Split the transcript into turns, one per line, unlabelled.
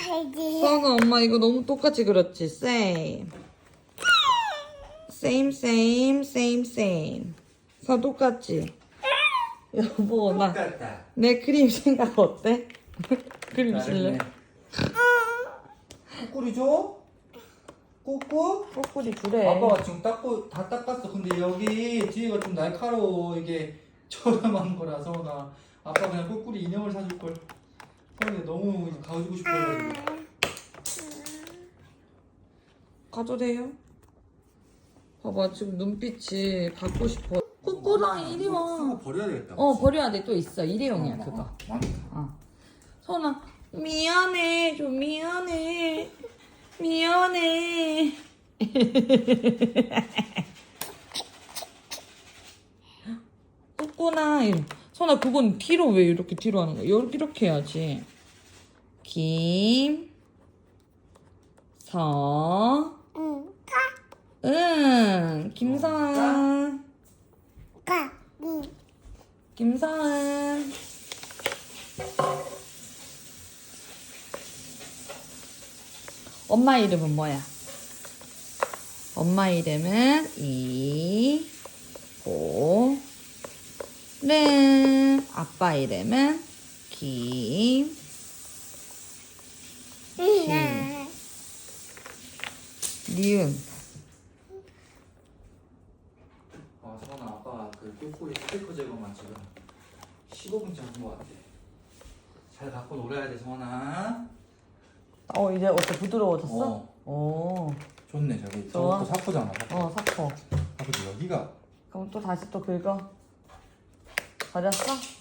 서은아, 엄마 이거 너무 똑같이 그렸지? Same. Same, same, same, same. 서 똑같지? 여보,
똑같다.
내 그림 생각 어때? 그림 실래?
꼬꾸리 줘? 꼬꾸?
꼬꾸리 그래.
아빠가 지금 다 닦았어. 근데 여기 뒤에가 좀 날카로워. 이게 저렴한 거라서 나 아빠 그냥 꼬꾸리 인형을 사줄 걸. 서은이 너무 이제 가지고 싶어가지고.
가도 돼요? 봐봐, 지금 눈빛이 갖고 싶어. 꼬꾸랑 이리
쓰고
와.
버려야 되겠다.
버려야 돼. 또 있어. 일회용이야, 그거.
많다.
서은아, 미안해. 좀 미안해. 미안해. 꼬꾸나. 서은아, 그건 뒤로 왜 이렇게 뒤로 하는 거야? 이렇게 해야지. 김서은. 김서은. 엄마 이름은 뭐야? 엄마 이름은 이보름. 아빠 이름은 니은.
서은아 아빠 그 꼬꾸리 스티커 제거만 지금 15분째 한 거 같아. 잘 갖고 놀아야 돼 서은아.
이제 어때? 부드러워졌어?
좋네 저기.
좋아.
저것도 사포잖아.
사포.
아버지 여기가
그럼 또 다시 또 긁어. 버렸어?